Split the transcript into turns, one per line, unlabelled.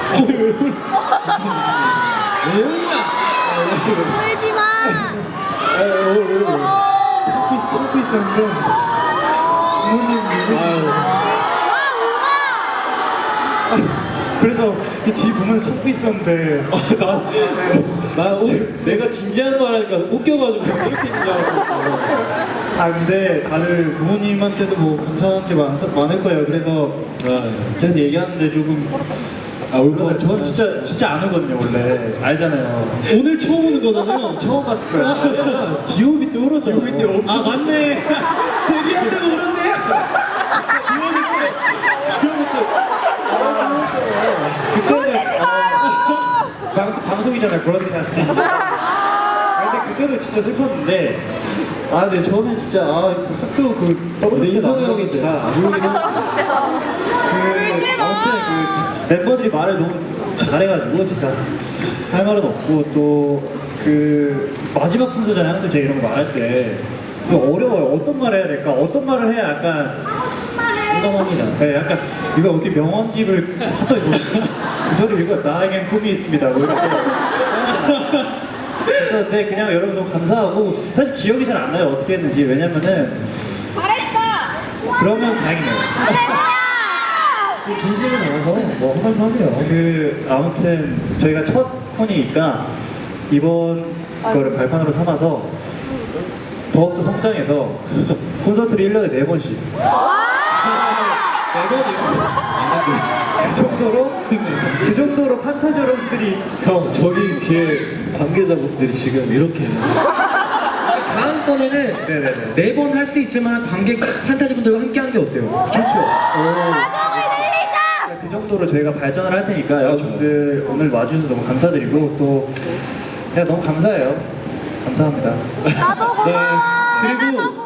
보이지 마.
참고 있었는데 부모님 그래서 이 뒤 보면서 참고 있었는데
나 오늘 내가 진지한 말 하니까 웃겨가지고 이렇게 긴장하고.
아 근데 다들 부모님한테도 뭐 감사한 게 많을 거예요. 그래서 저기서 얘기하는데 조금 울고 저는 진짜 안 울거든요 원래 알잖아요.
오늘 처음 오는 거잖아요.
처음 봤을 거예요.
G.O.B 때 울었잖아.
G.O.B 때 엄청
맞네. 데뷔한다고 울었네. G.O.B 때.
그때는 방송이잖아요 브로드캐스팅. 근데 그때도 진짜 슬펐는데 근데 저는 진짜 학교 떨어질 때도 안
형이 잘안 울긴 하는데.
아무튼 멤버들이 말을 너무 잘해가지고 제가 할 말은 없고 또 마지막 순서잖아요. 항상 제가 이런 거 말할 때 어려워요. 어떤 말을 해야 될까? 어떤 말을 해야 약간
공감합니다.
네, 약간 이거 어디 명언집을 사서 구절을 읽어 나에겐 꿈이 있습니다. 뭐 이렇게. 그래서 그냥 여러분 너무 감사하고 사실 기억이 잘 안 나요 어떻게 했는지. 왜냐면은
잘했어.
그러면 다행이네요.
좀 진심이 나와서 뭐 한 말씀 하세요.
아무튼 저희가 첫 콘이니까 이번 거를 발판으로 삼아서 더욱더 성장해서 콘서트를 1년에 4번씩 4번이요? 그 정도로 판타지 여러분들이
형 저기 뒤에 관계자분들이 지금 이렇게. 다음번에는
네네네
4번 할 수 있을 만한 관객 판타지 분들과 함께 하는 게 어때요?
좋죠.
가족을 늘리자.
그 정도로 저희가 발전을 할 테니까 여러분들 오늘 와주셔서 너무 감사드리고 또 그냥 너무 감사해요. 감사합니다.
나도 고마워.
그리고
나도